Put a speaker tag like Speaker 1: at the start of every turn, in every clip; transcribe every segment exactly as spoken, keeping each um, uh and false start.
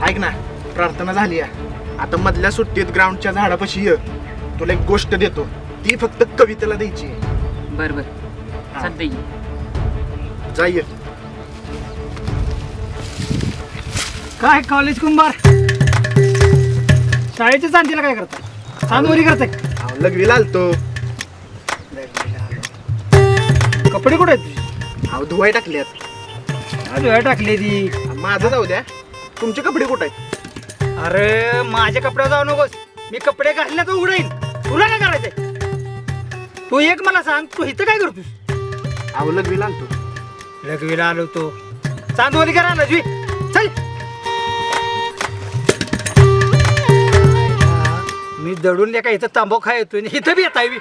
Speaker 1: ऐक ना, प्रार्थना झाली आता मधल्या सुट्टीत ग्राउंडच्या झाडापाशी ये. तुला एक गोष्ट देतो, ती फक्त कवितेला द्यायची.
Speaker 2: बर बर चालतंय की.
Speaker 1: जा ये.
Speaker 3: काय कॉलेज कुंभार शाळेच्या चांदीला काय करता? चांदवरी करताय?
Speaker 1: अहो, लघवीला आलतो.
Speaker 3: कपडे कुठे आहेत तुझे?
Speaker 1: अहो धुवाय टाकल्यात.
Speaker 3: आज वेळ टाकली ती.
Speaker 1: माझं जाऊ द्या, तुमचे कपडे कुठे आहेत?
Speaker 3: अरे माझ्या कपड्यावर जाऊ नकोस. मी कपडे घातले तर उघडेन. तुला काय करायचंय? तू एक मला सांग, तू इथं काय करतोस?
Speaker 1: अहो लघवीला आलतो.
Speaker 3: लघवीला आलो तो चांदवली करा लघवी. चल. मी दडून लेका इथं तांबो खाय येतोय इथं बी येत आहे.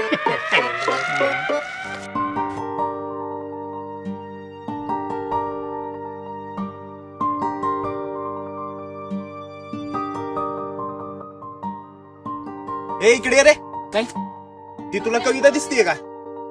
Speaker 1: ए इकडे ये रे.
Speaker 2: काय?
Speaker 1: ती तुला कविता दिसतीये का?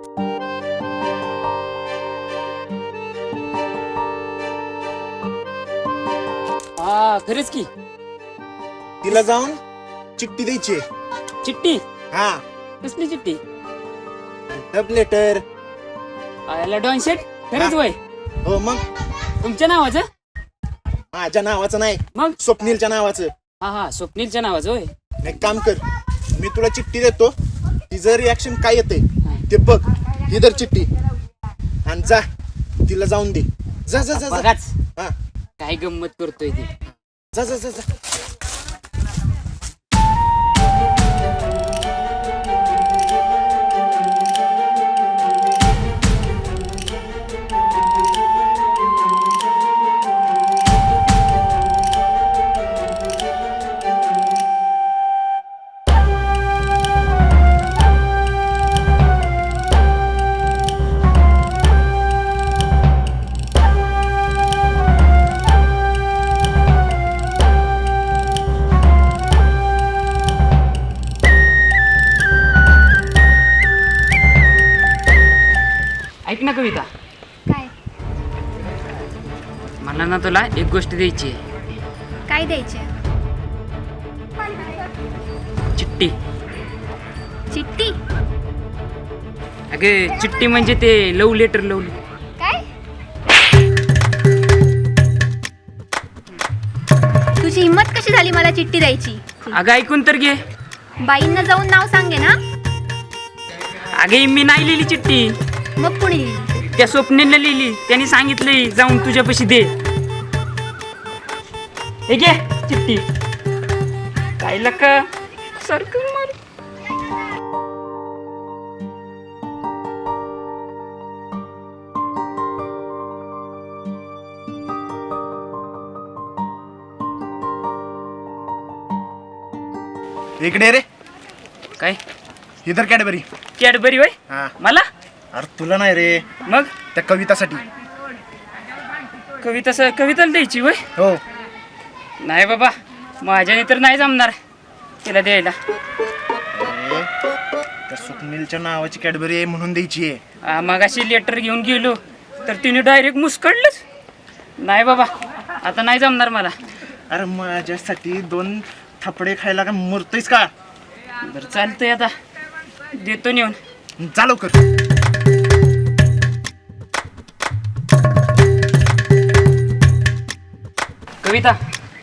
Speaker 2: हा खरंच की.
Speaker 1: तिला जाऊन चिठ्ठी द्यायची.
Speaker 2: चिठ्ठी?
Speaker 1: हा,
Speaker 2: कसली चिठ्ठी?
Speaker 1: डब लेटर.
Speaker 2: आयला डॉन शेट खरंच वय
Speaker 1: हो मग.
Speaker 2: तुमच्या नावाचं?
Speaker 1: माझ्या नावाचं नाही,
Speaker 2: मग
Speaker 1: स्वप्नीलच्या नावाचं.
Speaker 2: हा हा स्वप्नीलच्या नावाचं होय.
Speaker 1: एक काम कर, मी तुला चिठ्ठी देतो, तिचं रिॲक्शन काय येते ते बघ. ही धर चिठ्ठी आणि जा तिला जाऊन दे. जा जा जा जा.
Speaker 2: बघाच
Speaker 1: हा,
Speaker 2: काय गंमत करतोय ती.
Speaker 1: जा जा जा जा.
Speaker 2: ऐक ना कविता,
Speaker 4: काय
Speaker 2: मला ना तुला एक गोष्ट द्यायची आहे.
Speaker 4: काय द्यायचे?
Speaker 2: चिठ्ठी.
Speaker 4: चिठ्ठी?
Speaker 2: अगे चिठ्ठी म्हणजे ते लव लेटर. लव
Speaker 4: काय? तुझी हिंमत कशी झाली मला चिठ्ठी द्यायची?
Speaker 2: अगं ऐकून तर घे.
Speaker 4: बाईंना जाऊन नाव सांगे ना.
Speaker 2: अगे मी नाही लिहिली चिठ्ठी,
Speaker 4: मग कुणी लिहिली?
Speaker 2: त्या स्वप्नीलने लिहिली. त्यांनी सांगितलंय जाऊन तुझ्यापाशी दे. हे घे चिठ्ठी. काय लका सारखं मार.
Speaker 1: इकडे ये रे.
Speaker 2: काय?
Speaker 1: ही धर कॅडबरी.
Speaker 2: कॅडबरी होय?
Speaker 1: हा.
Speaker 2: मला?
Speaker 1: अरे तुला नाही रे,
Speaker 2: मग
Speaker 1: त्या कवितासाठी.
Speaker 2: कविता स कविताला द्यायची होय?
Speaker 1: हो.
Speaker 2: नाही बाबा, माझ्याने तर नाही जमणार तिला द्यायला.
Speaker 1: अरे, त्या स्वप्नीलच्या नावाची कॅडबरी आहे म्हणून द्यायची आहे.
Speaker 2: हा, मगाशी लेटर घेऊन गेलो तर तिने डायरेक्ट मुस्कडलंच. नाही बाबा, आता नाही जमणार मला.
Speaker 1: अरे माझ्यासाठी दोन थपडे खायला का मुरतोयस का?
Speaker 2: बरं चालतंय, आता देतो नेऊन.
Speaker 1: जा लवकर.
Speaker 2: कविता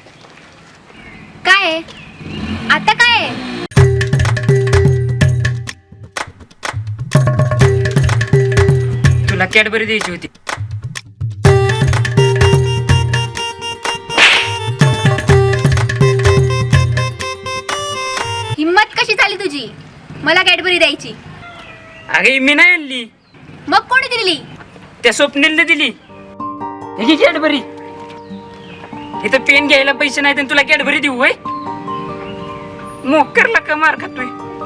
Speaker 4: काय आहे? आता काय आहे?
Speaker 2: तुला कॅडबरी द्यायची होती.
Speaker 4: हिंमत कशी झाली तुझी मला कॅडबरी द्यायची?
Speaker 2: अगे मी नाही आणली,
Speaker 4: मग कोणी दिली?
Speaker 2: त्या स्वप्नीलने दिली. हे घे कॅडबरी. इथं पेन घ्यायला पैसे नाहीत आणि तुला कॅडबरी देऊ होय? मोकरला का मार खातोय.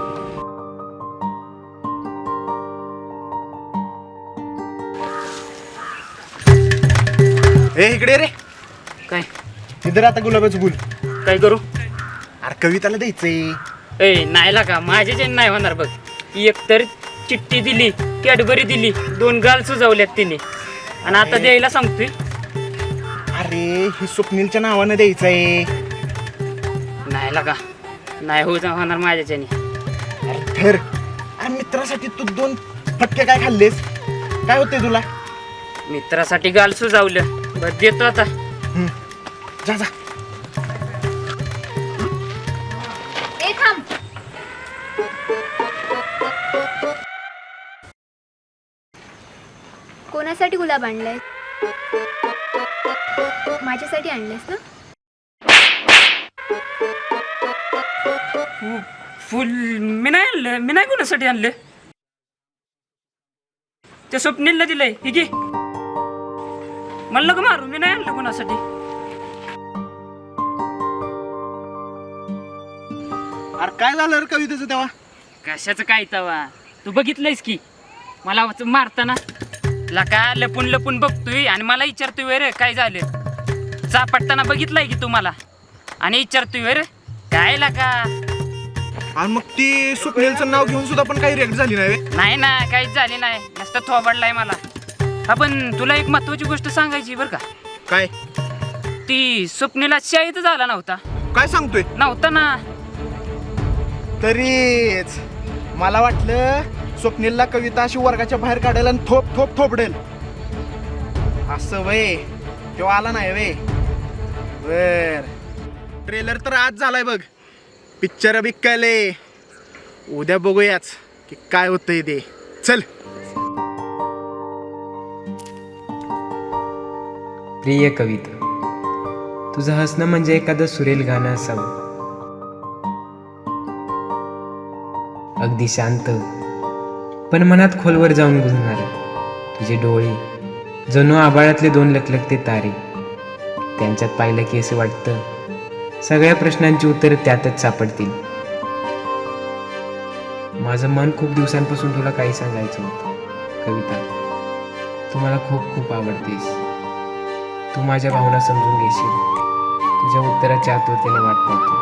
Speaker 1: ए इकडे रे.
Speaker 2: काय?
Speaker 1: इधर आता गुलाबाचं फुल.
Speaker 2: काय करू?
Speaker 1: अरे कविताला द्यायचंय.
Speaker 2: ए नाही लागा, माझ्या जे नाही होणार बघ. एक तर चिठ्ठी दिली, कॅडबरी दिली, दोन गाल सुजवल्यात तिने, आणि आता द्यायला सांगतोय.
Speaker 1: अरे ही स्वप्नीलच्या नावानं द्यायचं आहे.
Speaker 2: नाही लागा, नाही होत होणार माझ्याच्याने.
Speaker 1: अरे धर. अरे मित्रासाठी तू दोन फटके काय खाल्लेस? काय होतंय तुला?
Speaker 2: मित्रासाठी गाल सुजावलं. बरं देतो आता.
Speaker 1: हम्म. जा जा.
Speaker 4: ए थांब. कोणासाठी गुलाब आणलाय? माझ्यासाठी आणलेस ना?
Speaker 2: फु- फुल मी नाही आणलं. मी नाही कोणासाठी आणलं. त्या स्वप्नीलला दिलंय. हे घे. म्हणलं का मारू? मी नाही आणलं कोणासाठी.
Speaker 1: अरे काय झालं रे कवितेचं तेव्हा?
Speaker 2: कशाचं काय तवा? तू बघितलंयस की मला वाच- मारताना लका लपून लपून बघतोय आणि मला विचारतोय वे रे काय झालं. चापटताना बघितलंय की तू मला आणि विचारतोय वे रे काय लका.
Speaker 1: आणि मग ती स्वप्नीलचं नाव घेऊन सुद्धा पण काही रिॲक्ट झाली नाही बे?
Speaker 2: नाही ना, काहीच झाली नाही. नुसतं थोबडलाय मला. हा पण तुला एक महत्वाची गोष्ट सांगायची बरं का.
Speaker 1: काय?
Speaker 2: ती स्वप्नीला शाळेतच आला नव्हता.
Speaker 1: काय सांगतोय?
Speaker 2: नव्हता ना.
Speaker 1: तरीच मला वाटलं स्वप्नीलला कविता अशी वर्गाच्या बाहेर काढेल आणि थोप थोप थोपडेल असं वय. तेव्हा आला नाही वे. बर ट्रेलर तर आज झालाय बघ. पिक्चर बिक्कले. उद्या बघूयाच की काय होतंय ते. चल.
Speaker 5: प्रिय कविता, तुझं हसणं म्हणजे एखादं सुरेल गाणं असावं. अगदी शांत पण मनात खोलवर जाऊन गुंजणार. तुझे डोळे जणू आभाळातले दोन लखलखते तारे. त्यांच्यात पाहिलं की असं वाटतं सगळ्या प्रश्नांची उत्तरं त्यातच सापडतील. माझं मन खूप दिवसांपासून तुला काही सांगायचं होतं. कविता, तू मला खूप खूप आवडतेस. तू माझ्या भावना समजून घेशील. तुझ्या उत्तराची आतुरतेने वाट पाहतो.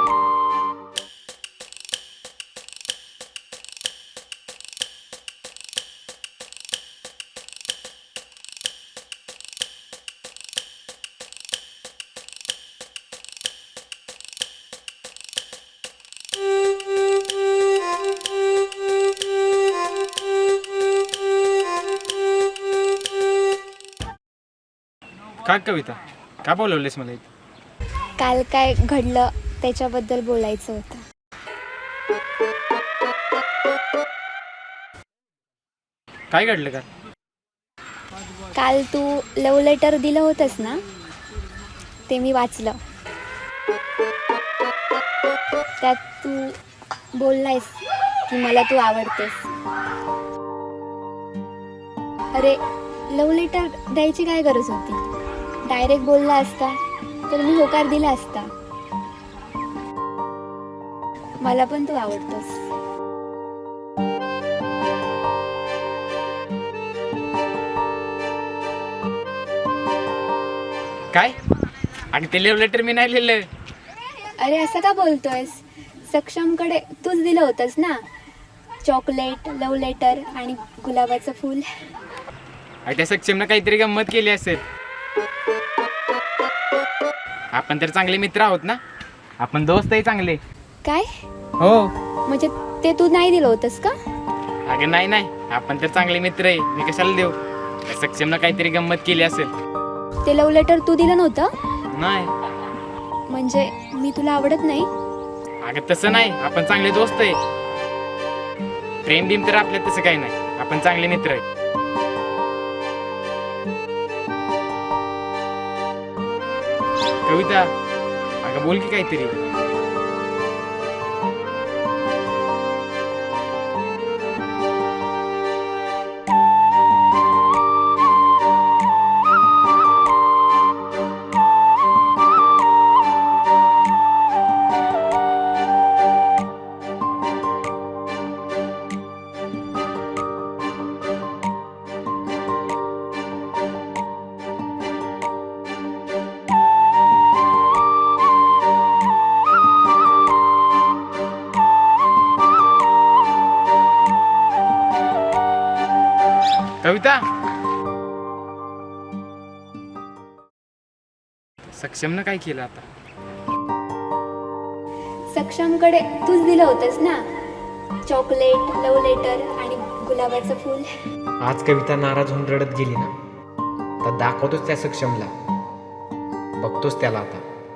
Speaker 3: काय कविता, का बोलवलेस मला इथे?
Speaker 6: काल काय घडलं त्याच्याबद्दल बोलायचं होतं.
Speaker 3: काय घडलं का?
Speaker 6: काल तू लव लेटर दिलं होतंस ना, ते मी वाचलं. त्यात तू बोललायस की मला तू आवडतेस. अरे लव लेटर द्यायची काय गरज होती? डायरेक्ट बोलला असता तर मी होकार दिला असता. मला पण तू आवडतोस.
Speaker 3: काय? आणि ते लिव्ह लेटर मी नाही लिहिलं.
Speaker 6: अरे असं का बोलतोयस? सक्षमकडे तूच दिलं होतंस ना, चॉकलेट, लव लेटर आणि गुलाबाचं फूल.
Speaker 3: आणि त्या सक्षमनं काहीतरी गंमत केली असेल. आपण तर चांगले मित्र आहोत ना, आपण दोस्त आहे चांगले.
Speaker 6: काय
Speaker 3: हो.
Speaker 6: म्हणजे ते तू नाही दिलं होतंस का?
Speaker 3: अगं नाही नाही, आपण तर चांगले मित्र आहे. मी कशाला देऊ? त्या सक्षमनं काहीतरी गंमत केली असेल.
Speaker 6: ते लव लेटर तू दिलं नव्हतं?
Speaker 3: नाही.
Speaker 6: म्हणजे मी तुला आवडत नाही?
Speaker 3: अगं तसं नाही, आपण चांगले दोस्त आहे. प्रेम बिम तर आपल्यात तसं काही नाही, आपण चांगले मित्र आहे. कविता, अगं बोल की काहीतरी. कविता,
Speaker 2: सक्षमनं काय केलं आता?
Speaker 6: सक्षमकडे तूच दिलं होतंस ना चॉकलेट, लव लेटर आणि गुलाबाचं फूल.
Speaker 5: आज कविता नाराज होऊन रडत गेली ना, तर दाखवतोच त्या सक्षमला, बघतोच त्याला आता.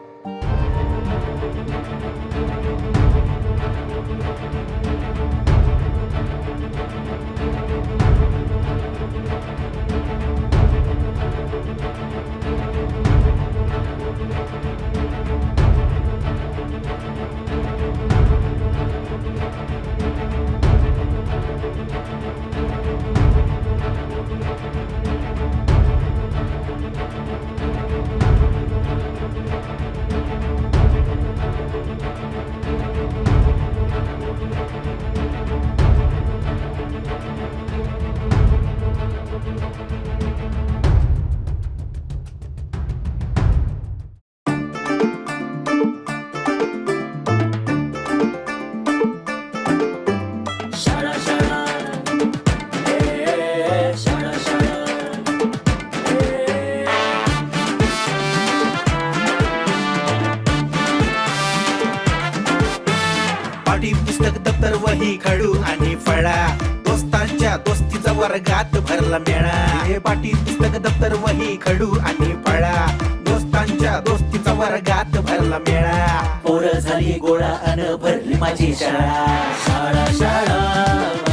Speaker 7: पाटी पुस्तक दप्तर वही खडू आणि फळा दोस्तांच्या दोस्तीचा वर्गात भरला मेळा. हे पाटी पुस्तक दप्तर वही खडू आणि फळा दोस्तांच्या दोस्तीचा वर्गात भरला मेळा. पोरं झाली गोळा अन भरली माझी शाळा. शाळा शाळा